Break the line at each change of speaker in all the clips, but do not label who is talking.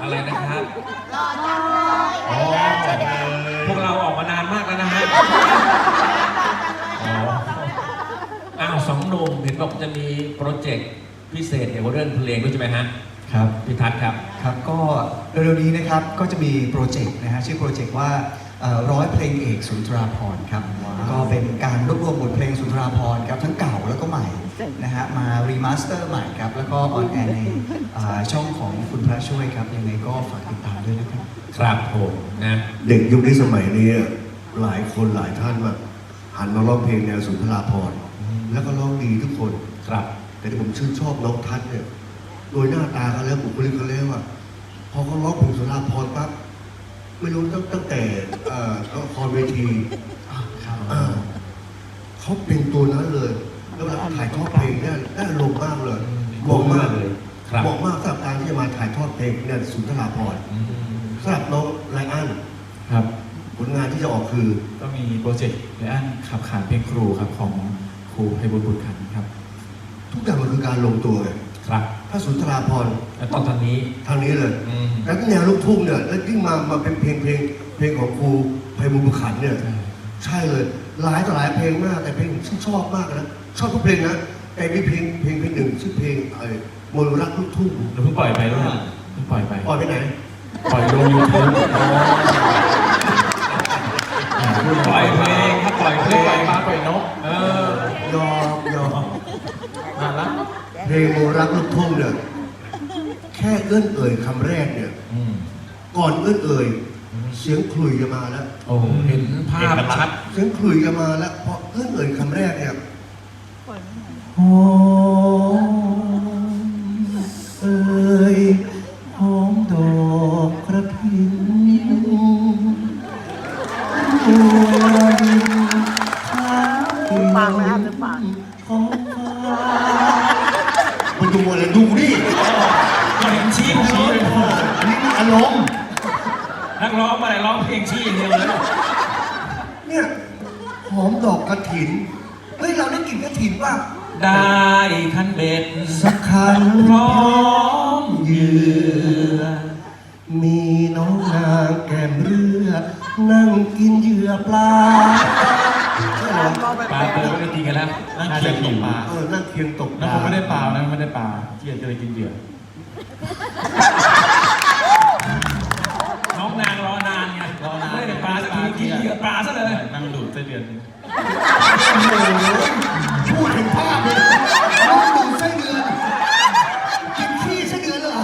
อะไรนะครับ
รอจังเลย
อ๋อพวกเราออกมานานมากแล้วนะฮะอ้าวสองหนุ่มเห็นบอกจะมีโปรเจกต์พิเศษเกี่ยวกับเรื่องเพลงด้วยใช่ไหมฮะ
ครับ
พี่ทัศน์ครับ
ครับก็เร็วๆนี้นะครับก็จะมีโปรเจกต์นะฮะชื่อโปรเจกต์ว่าร้อยเพลงเอกสุนทราภรณ์ครับก็เป็นการรวบรวมบทเพลงสุนทราภรณ์ครับทั้งเก่าแล้วก็ใหม่นะฮะมารีมาสเตอร์ใหม่ครับแล้วก็ออนแอร์ในช่องของคุณพระช่วยครับยังไงก็ฝากติดตามด้วยนะครับ
ครับผมนะ
เด็กยุคนี้สมัยนี้หลายคนหลายท่านมาหันมาร้องเพลงแนวสุนทราภรณ์แล้วก็ร้องดีทุกคน
ครับ
แต่ที่ผมชื่นชอบน้องทัศน์เนี่ยโดยหน้าตาเขาแล้วบุคลิกเขาแล้วอะพอเขาร้องเพลงสุนทราภรณ์ปั๊บไม่รู้ตั้งแต่ละครเวทีเขาเป็นตัวนั้นเลยแล้วเวลาถ่ายทอดเพลงได้ลงมากเลยเหมาะมากเลยเหมาะมากสำหรับการที่จะมาถ่ายทอดเพลงเนี่ยสุนทราภรณ์สำหรับน้องไลอ้อน
ครับ
ผลงานที่จะออกคือ
ก็มีโปรเจกต์ไลอ้อนขับขานเพลงครูครับของครูไพบูลย์บุตรขันธ์ครับ
ทุกอย่างมันคือการลงตัวเลย
ครับ
ถ้าสุนทราภรณ์
ต้องทางนี้
เลยแล้วแนวลูกทุ่งเนี่ยแล้วยิ่งมาเป็นเพลงของครูไพบูลย์บุตรขันธ์เนี่ยใช่เลยหลายต่อหลายเพลงมากแต่เพลงที่ชอบมากนะชอบทุกเพลงนะแต่มีเพลงหนึ่งชื่อเพลงมนต์รักลูกทุ่ง
เราเพิ่งปล่อยไปด้วยเพิ่งปล่อย
ไปไหน
ปล่อยลง YouTube
ปล่อยเพลงครับปล่อยเพลง
ปลาปล่อยนก
ยอม
มาละ
เพลงมนต์รักลูกทุ่งเนี่ยแค่เอื้อนเอ่ยคำแรกเนี่ยก่อนเอื้อนเอ่ยเสียงขลุ่ยจะมาแล้ว
เห็นภาพชัด
เสียงขลุ่ยจะมาแล้วพอเอื้อนเอ่ยคำแรกเนี่ยหอมเอ่ยหอมดอกกระถิ่น
ฟังนะครับจะฟัง
มันดูอะไรดูนี่
เพลงชี้
นี่อารมณ์
นักร้องมาไหนร้องเพลงชี้อย่างเดียวเลย
เนี่ยหอมดอกกระถินเฮ้ยเราได้กลิ่นกระถินป่ะ
ได้คันเบ็ด
สักคัน
พร้อม
เหยื่อมีน้องนางแก้มเรือนั่งกินเหยื่อปลา
ปลาเปิดไม่ได้กินกันแล้ว
นั่งเคียงตกปลา
นั่งเคียงตกป
ลา
แล้วผม
ไม่ได้ปลานะไม่ได้ปลาเหยื่อจะเลยกินเหยื่อ
น้องนางรอนานไง
รอนาน
ไม่ได้ปลาสักทีกินเหยื่อปลาซะเลย
นั่งดูดไส้เดือน
พูดถึงภาพเลยน้องดูไส้เดือนกินขี้ไส้เดือนเหรอ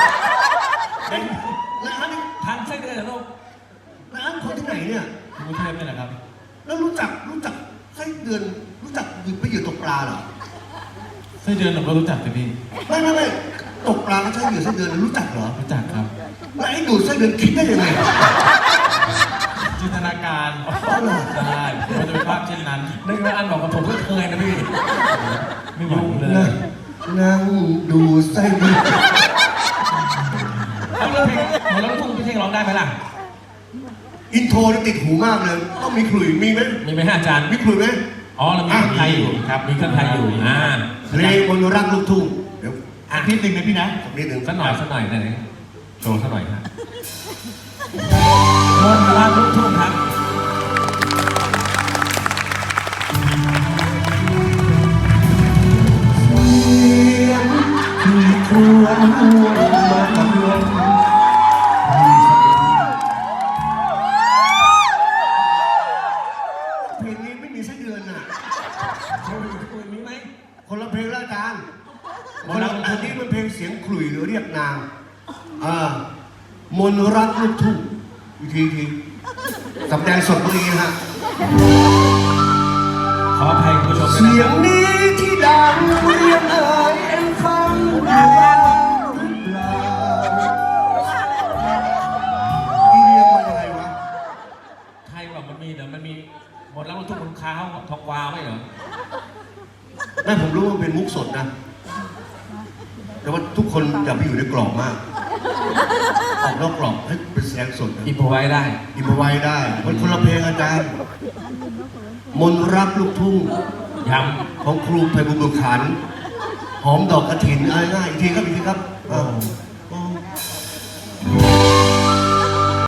ร้านนี้
ทันไส้เดือนเหรอลูก
ร้านคนที่ไหนเนี่ย
กรุงเทพนี่แหละครับ
แล้วรู้จักไส้เดือนรู้จักไปเหยื่อตกปลาเหรอ
ไส้เดือนผมก็รู้จักแต่พี่
ไม่ตกปลาแล้วใช้เหยื่อไส้เดือนรู้จักเหรอ
รู้จักครับ
แล้วไอ้ดูดไส้เดือนคิดได้ยังไง
จินตนาการได้มันจะเป็นภาพเช่นนั้น
นึกว่าอันบอกกับผมก็เคยนะพี่
ไม่หวังเลย
นั่งดูไส้เดือน
แล้วลูกทุ่งพี่เท่งร้องได้ไหมล่ะ
อินโทรติดหูมากเลยต้องมีขลุ่ยมีไหม
อาจารย์
มีขลุ่ยไหม
อ๋อเรามีเครื่องไทยอยู่ครับมีเครื่องไทยอยู่
เพลงมนต์รักลูกทุ่งเดี๋ยว
นิดนึงนะพี่นะ
นิดนึง
สักหน่อยหน่อยโชว์สักหน่อยฮะมนต์รักลูกทุ่งครับ
ที่ครวญมากับลมเพลงนี้ไม่มีไส้เดือนอ่ะ
มีไหม
คนละเพลงละกันคนละอันนี้มันเพลงเสียงขลุ่ยหรือเรียกนางมนต์รักลูกทุ่งทีสำแดงสดนี้ฮะ
ขออภัยคุณผู้ชมด้วยนะ
เสียงนี้ที่ดังเรียกเอ่ยฟังเรียกมายังไงวะ
ไทยบอกมันมีเดี๋ยวมันมีหมดแล้วมันทุกคนค้าทองวาวไม่เหรอ
แม่ผมรู้ว่าเป็นมุกสดนะแต่ว่าทุกคนอย่าไปอยู่ในกรอบมากออกนอกกรอบให้เป็นแสดงสด
อินพอไว้ได้
มันคนละเพลงอาจารย์มนต์รักลูกทุ่ง
ย้
ำของครูไพบูลย์บุตรขันธ์หอมดอกกระถินง่ายอีกทีครับ